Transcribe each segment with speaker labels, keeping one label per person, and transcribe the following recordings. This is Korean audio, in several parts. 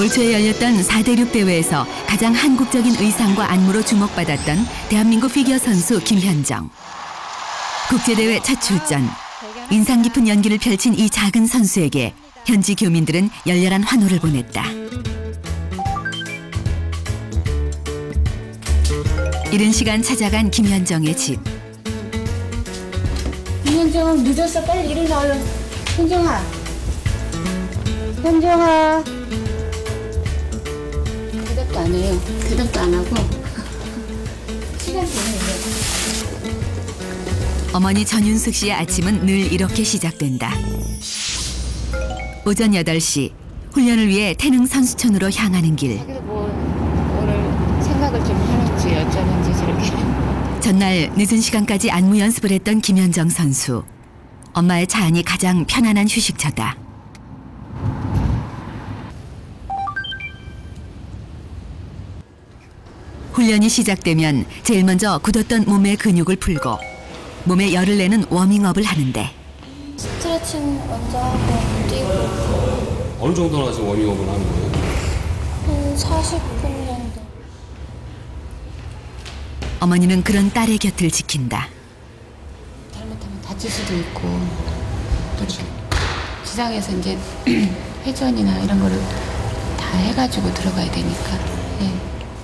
Speaker 1: 올 초에 열렸던 4대륙 대회에서 가장 한국적인 의상과 안무로 주목받았던 대한민국 피겨 선수 김현정. 국제대회 첫 출전. 인상 깊은 연기를 펼친 이 작은 선수에게 현지 교민들은 열렬한 환호를 보냈다. 이른 시간 찾아간 김현정의 집.
Speaker 2: 현정아, 늦었어. 빨리 일어나 얼른. 현정아. 현정아. 대답도 안 해요. 대답도 안 하고. 시간 되네.
Speaker 1: 어머니 전윤숙 씨의 아침은 늘 이렇게 시작된다. 오전 8시, 훈련을 위해 태릉 선수촌으로 향하는 길.
Speaker 2: 자기도 뭐 오늘 생각을 좀 해놓지 어쩌는지 저렇게.
Speaker 1: 전날 늦은 시간까지 안무 연습을 했던 김현정 선수. 엄마의 차 안이 가장 편안한 휴식처다. 훈련이 시작되면 제일 먼저 굳었던 몸의 근육을 풀고 몸에 열을 내는 워밍업을 하는데
Speaker 3: 스트레칭 먼저 하고 뛰고.
Speaker 4: 어느 정도나 지금 워밍업을 하는 거예요?
Speaker 3: 한 40분 정도.
Speaker 1: 어머니는 그런 딸의 곁을 지킨다.
Speaker 2: 잘못하면 다칠 수도 있고 또 기상에서 이제 회전이나 이런 거를 다 해가지고 들어가야 되니까. 예.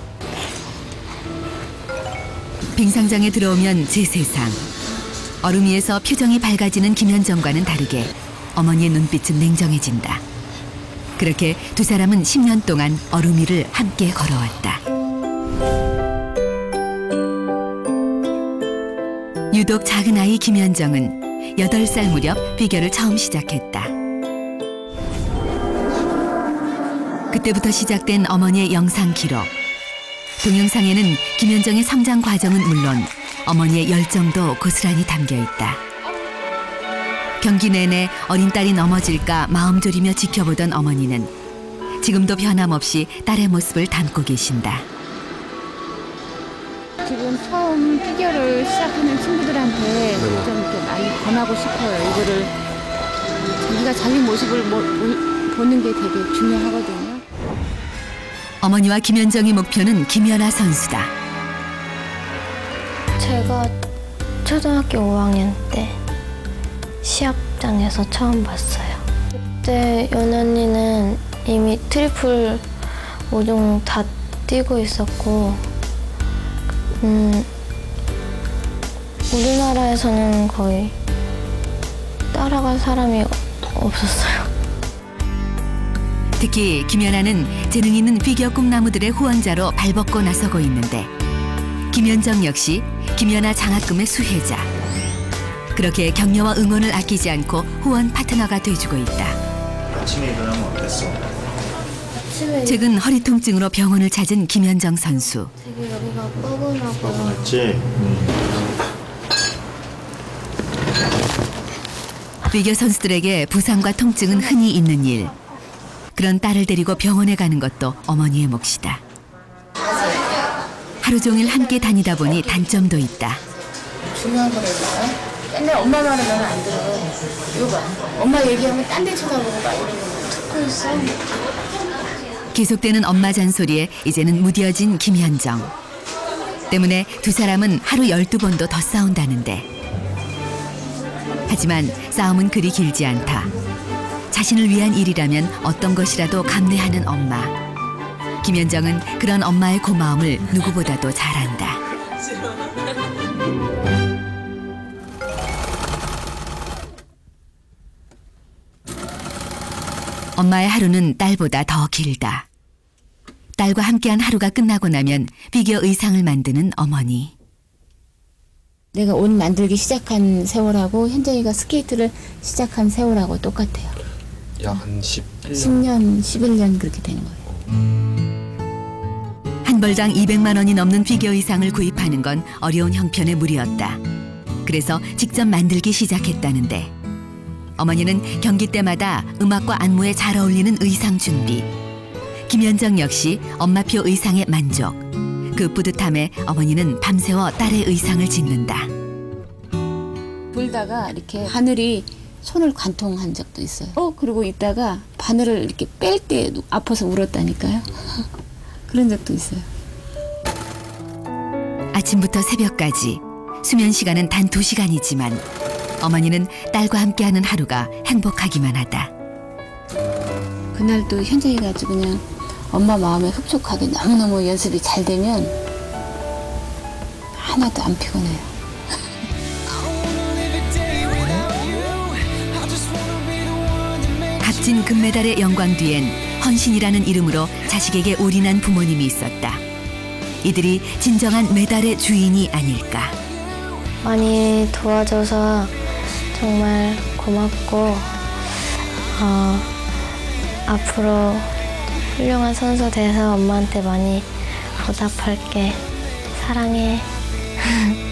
Speaker 1: 빙상장에 들어오면 제 세상. 얼음 위에서 표정이 밝아지는 김현정과는 다르게 어머니의 눈빛은 냉정해진다. 그렇게 두 사람은 10년 동안 얼음 위를 함께 걸어왔다. 유독 작은 아이 김현정은 8살 무렵 피겨를 처음 시작했다. 그때부터 시작된 어머니의 영상 기록. 동영상에는 김현정의 성장 과정은 물론 어머니의 열정도 고스란히 담겨 있다. 경기 내내 어린 딸이 넘어질까 마음 졸이며 지켜보던 어머니는 지금도 변함없이 딸의 모습을 담고 계신다.
Speaker 2: 지금 처음 피겨를 시작하는 친구들한테 좀 이렇게 많이 권하고 싶어요. 이거를 자기가 자기 모습을 보는 게 되게 중요하거든요.
Speaker 1: 어머니와 김현정의 목표는 김연아 선수다.
Speaker 3: 제가 초등학교 5학년 때 시합장에서 처음 봤어요. 그때 연언니는 이미 트리플 5종 다 뛰고 있었고 우리나라에서는 거의 따라갈 사람이 없었어요.
Speaker 1: 특히 김연아는 재능 있는 피겨 꿈나무들의 후원자로 발벗고 나서고 있는데 김현정 역시 김연아 장학금의 수혜자. 그렇게 격려와 응원을 아끼지 않고 후원 파트너가 돼주고 있다.
Speaker 5: 아침에 일어나면 어땠어?
Speaker 3: 아침에
Speaker 1: 최근 허리 통증으로 병원을 찾은 김현정 선수.
Speaker 3: 되게 여기가 뻐근하고
Speaker 5: 뻐근했지?
Speaker 1: 피겨 선수들에게 부상과 통증은 흔히 있는 일. 그런 딸을 데리고 병원에 가는 것도 어머니의 몫이다. 하루 종일 함께 다니다 보니 단점도 있다.
Speaker 2: 중요한 거라니까. 맨날 엄마 말하면 안 들어. 이거 봐. 엄마 얘기하면 딴 데 쳐다보고 막 이러는 거 듣고 있어.
Speaker 1: 계속되는 엄마 잔소리에 이제는 무뎌진 김현정. 때문에 두 사람은 하루 12번도 더 싸운다는데. 하지만 싸움은 그리 길지 않다. 자신을 위한 일이라면 어떤 것이라도 감내하는 엄마. 김현정은 그런 엄마의 고마움을 누구보다도 잘 안다. 엄마의 하루는 딸보다 더 길다. 딸과 함께한 하루가 끝나고 나면 피겨 의상을 만드는 어머니.
Speaker 2: 내가 옷 만들기 시작한 세월하고 현정이가 스케이트를 시작한 세월하고 똑같아요.
Speaker 4: 약 한
Speaker 2: 10년, 11년 그렇게 되는 거예요.
Speaker 1: 한 벌당 200만 원이 넘는 피겨 의상을 구입하는 건 어려운 형편의 무리였다. 그래서 직접 만들기 시작했다는데 어머니는 경기 때마다 음악과 안무에 잘 어울리는 의상 준비. 김현정 역시 엄마표 의상에 만족. 그 뿌듯함에 어머니는 밤새워 딸의 의상을 짓는다.
Speaker 2: 불다가 이렇게 하늘이 손을 관통한 적도 있어요. 그러고 있다가 바늘을 이렇게 뺄 때 아파서 울었다니까요. 그런 적도 있어요.
Speaker 1: 아침부터 새벽까지 수면 시간은 단 2시간이지만 어머니는 딸과 함께하는 하루가 행복하기만 하다.
Speaker 2: 그날도 현장에 가지고 그냥 엄마 마음에 흡족하게 너무너무 연습이 잘 되면 하나도 안 피곤해요.
Speaker 1: 값진 금메달의 영광 뒤엔 헌신이라는 이름으로 자식에게 올인한 부모님이 있었다. 이들이 진정한 메달의 주인이 아닐까.
Speaker 3: 많이 도와줘서 정말 고맙고 앞으로 훌륭한 선수 돼서 엄마한테 많이 보답할게. 사랑해.